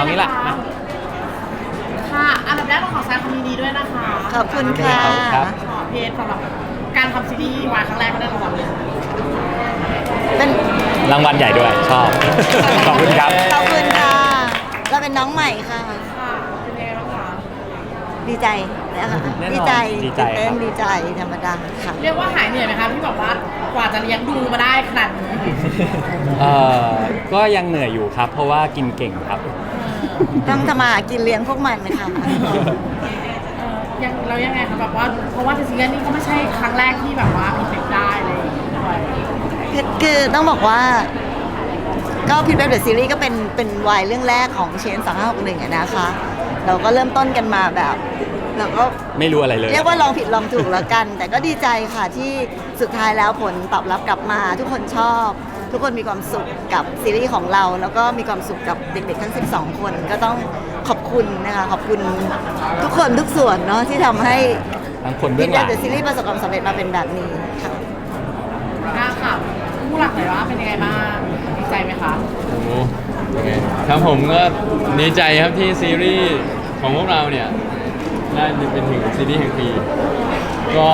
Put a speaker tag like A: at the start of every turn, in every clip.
A: เอางี้แหละ
B: ค่ะอันดับแรกต้องขอแสดงความยินดีด้วยนะคะ
C: ขอบคุณค่ะ
A: ครับ
B: ขอเพจสำหรับการทำซีรีส์วายครั้งแรกก็ได้รางวัลเลย
C: เป็น
A: รางวัลใหญ่ด้วยชอบ ขอบคุณครับ
C: ขอบคุณค่ะเราเป็นน้องใหม่ค่ะ
B: ค่ะเป็นยังไงบ้างคะ
C: ดีใจนะคะ
A: แน่นอน
C: ดีใจ
A: ดีใจ
C: ตื่นเต้น
A: ครับ
C: ดีใจธรรมดาค่ะ
B: เรียกว่าหายเหนื่อยไหมคะที่แบบว่ากว่าจะเลี้ยงดูมาได้ขนาดนี้
A: เอ่อก็ยังเหนื่อยอยู่ครับ เพราะว่ากินเก่งครับ
C: ต้องทำมาหากินเลี้ยงพวกมันนะคะ
B: ยังเรายังไงคะแบบว่าเพราะว่าซีรีส์นี้ก็ไม่ใช่ครั้งแรกที่แบบว่าพิเศษได้เลยด้วย
C: คือต้องบอกว่า ก็พิทเว็บเดอะซีรีส์ก็เป็นวายเรื่องแรกของเชน2561อะนะคะ เราก็เริ่มต้นกันมาแบบเราก็
A: ไม่รู้อะไรเลย
C: เรียกว่าลองผิดลองถูกแล้วกัน แต่ก็ดีใจค่ะที่สุดท้ายแล้วผลตอบรับกลับมา ทุกคนชอบ ทุกคนมีความสุขกับซีรีส์ของเรา แล้วก็มีความสุขกับเด็กๆทั้ง 12 คนก็ต้องขอบคุณนะคะขอบคุณทุกคนทุกส่วนเนาะที่ทำให้
A: ทั้งคนเบื้
C: พิ
A: อ
C: ท
A: งห
C: เว็
A: ลั
C: บ
A: ง
C: เดอะซีรีส์ประสบความสำเร็จมาเป็นแบบนี้ค่ะ
B: ค่ะผู้หลักหน่อยว่าเป็นยังไงบ้างดีใจไหมคะ
D: โอ้โหยังไงครับผมก็ดีใจครับที่ซีรีส์ของพวกเราเนี่ยได้เป็นถึงซีรีส์แห่งปี ก็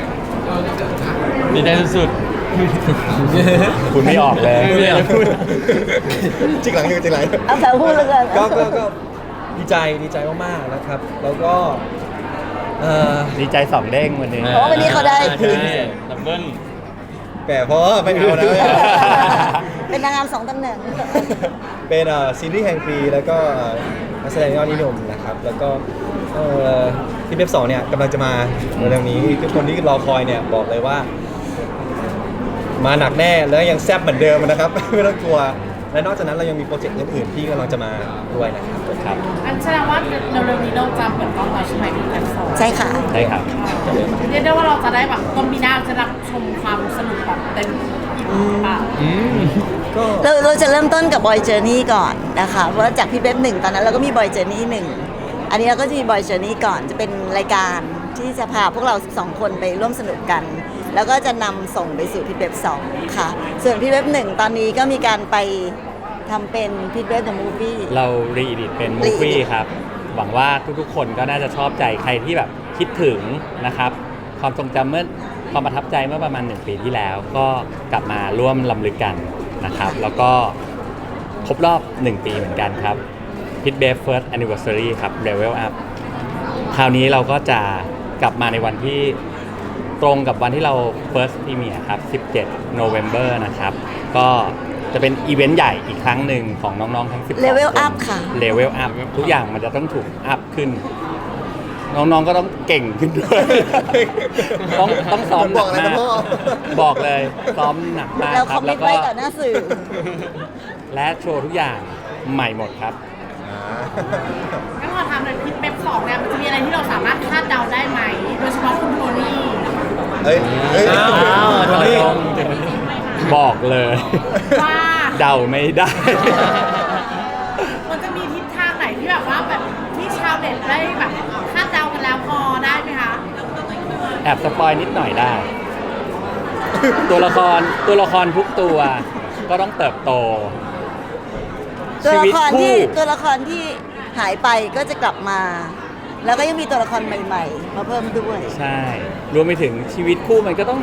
D: ดีใจสุด
A: คุณไม่ออกเลย
D: ไม่อยากพูด
E: จริงหลังจริงหลัง
C: เอาแต่พูดเลยกัน
E: ก็ดีใจมากๆนะครับ แล้วก็
A: ดีใจสองเด้งวันนี้
C: เพราะว่าวันนี้เขาได้
D: ใช่ดับเบิ้ล
E: แต่เพราะว่าไม่เอานะ
C: เป็นนางงาม2ตำแหน่ง
E: เป็นซีรีส์แห่งปีแล้วก็นักแสดงยอดนิยมนะครับ แล้วก็ที่เว็บ2เนี่ยกำลังจะมาเร็วๆนี้ทุกคนที่รอคอยเนี่ยบอกเลยว่า มาหนักแน่แล้วยังแซ่บเหมือนเดิมนะครับ ไม่ต้องกลัว และนอกจากนั้นเรายังมีโปรเจกต์อื่นๆที่กำลังจะมาด้วยนะครับ
A: ครับ
B: อันแสดงว่าเร็วๆนี้เราจะเปิดกล้องแล้วใช่ไหมที่แพลตฟอร์ม
C: ใช่ค่ะ
A: ใช่ครับ
B: เรียกได้ว่าเราจะได้แบบต้นปีหน้าจะรับชมความสนุกแบบเต็มอิ่มปาก
E: ก็
C: เราจะเริ่มต้นกับบอยเจอร์นี่ก่อนนะคะเพราะว่าจากพี่เบ๊บหนึ่งตอนนั้นเราก็มีบอยเจอร์นี่หนึ่งอันนี้เราก็จะมีบอยเจอร์นี่ก่อนจะเป็นรายการที่จะพาพวกเรา12คนไปร่วมสนุกกัน แล้วก็จะนำส่งไปสู่พี่เบ๊บ2ค่ะส่วนพี่เบ๊บหนึ่งตอนนี้ก็มีการไปทำเป็นพี่เบ๊บเดอะมูฟวี่
A: เรารีดิตเป็นมูฟวี่
C: re-edit
A: ครับ หวังว่าทุกๆคนก็น่าจะชอบใจใครที่แบบคิดถึงนะครับ ความทรงจำเมื่อความประทับใจเมื่อประมาณ 1 ปีที่แล้ว ก็กลับมาร่วมลำลึกกันนะครับ แล้วก็ครบรอบ 1 ปีเหมือนกันครับ Pit b a e First Anniversary ครับ Level Up คราวนี้เราก็จะกลับมาในวันที่ตรงกับวันที่เรา First Premiere ครับ 17 November นะครับ ก็จะเป็นอีเวนต์ใหญ่อีกครั้งหนึ่งของน้องๆทั้ง12
C: Level
A: คน
C: up ค่ะ
A: Level Up ทุกอย่างมันจะต้องถูกอัพขึ้น น้องๆก็ต้องเก่งขึ้นด้วย ต้องซ้อมหนัก
E: บอกอะไร
A: มา
E: นะ
A: ก
E: พ่อ
A: บอกเลยซ้อมหนักมาก
C: เรา
A: ค
C: ค
A: รั
C: อบ มมิ
A: แล้
C: ต
A: วก็
C: ไว้ต่อหน้าสื่อ
A: และโชว์ทุกอย่างใหม่หมดครับ
B: งั้นขอถามหน่อยพิทเป๊ป2เนี่ยมันจะมีอะไรที่เราสามารถคาดเดาได้ไหมโดยเฉพาะคุณโทนี่
E: เฮ้ย
A: อ้าวถอยลงบอกเลย
B: ว่า
A: เดาไม่ได้
B: มันจะมีทิศทางไหนที่แบบว่าแบบที่ชาวเน็ตได้แบบคาดเดากันแล้วพอได้ไหมคะ
A: แอบสปอยนิดหน่อยได้ ตัวละครทุกตัวก็ต้องเติบโต
C: ตัวละครที่
A: ชีวิตคู่
C: ตัวละครที่หายไปก็จะกลับมา แล้วก็ยังมีตัวละครใหม่ๆ มาเพิ่มด้วย
A: ใช่ รวมไปถึงชีวิตคู่มันก็ต้อง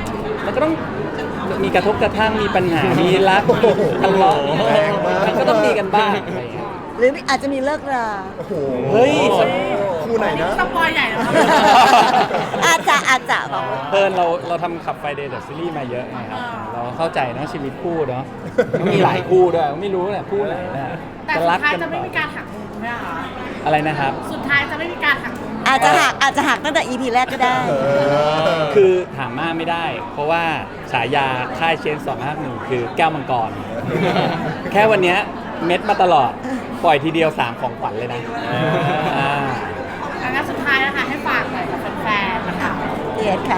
A: มีกระทบกระทั่งมีปัญหา มีรักมีทะเลาะ
E: แรงมาก
A: มันก็ต้องมีกันบ้างอะไรอย่างเงี้ย
C: หรืออาจจะมีเลิกรา
E: โอ้โห
A: เฮ้ย
E: คู่ไหนนะ
B: สปอยใหญ่แล้วครับ
C: อาจจะบอกว่า
A: เพิ่นเราทำขับไฟเดย์เดอะซีรีส์มาเยอะไงครับ เราเข้าใจเนาะชีวิตคู่เนาะมันมีหลายคู่ด้วยไม่รู้แหละคู่ไหนนะ
B: แต่
A: จะ
B: สุ
A: รั
B: ด
A: ก
B: ท้าย
A: กัน
B: จะไม่
A: ต่อ
B: มีการหักมุมใช่ไหมคะ
A: อะไรนะครับ
B: สุดท้ายจะไม่มีการหักมุม
C: อาจจะหักตั้งแต่ EP แรกก็ได้
A: คือถามมากไม่ได้ เพราะว่าฉายาค่ายเชน251คือแก้วมังกร แค่วันเนี้ยเม็ดมาตลอด ปล่อยทีเดียว 3 ของขวัญเลยนะอ่า
B: งั้นสุดท้ายนะคะให้ฝากหน่อยกับแฟนๆนะคะ
C: เดียดค่ะ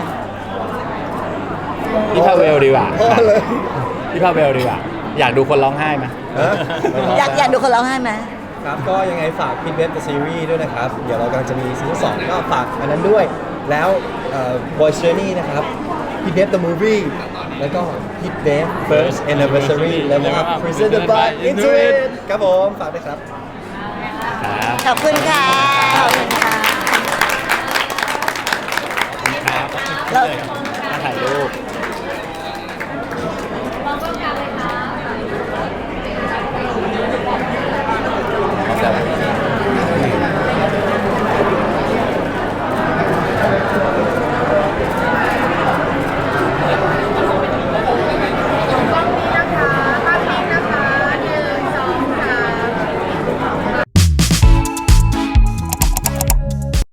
A: พี่พาเวลดีกว่า
E: พอเลย
A: พี่พาเวลดีกว่า อยากดูคนร้องไห้ไหม
E: ฮะ
C: อยากดูคนร้องไห้ไหม
E: ครับก็ยังไงฝากพิทเว็บซีรีส์ด้วยนะครับ เดี๋ยวเรากำลังจะมีซีซั่น2ก็ฝากอันนั้นด้วย แล้วBoy Journey นะครับพิทเว็บ The Movie แล้วก็พิทเว็บ First Anniversary แล้วก็ Presented by Intuit ครับผม ฝากด้วยครับ
C: ขอบคุณค่ะขอบคุณค่ะ
A: ครับ
C: เรา
A: มาถ่ายรูป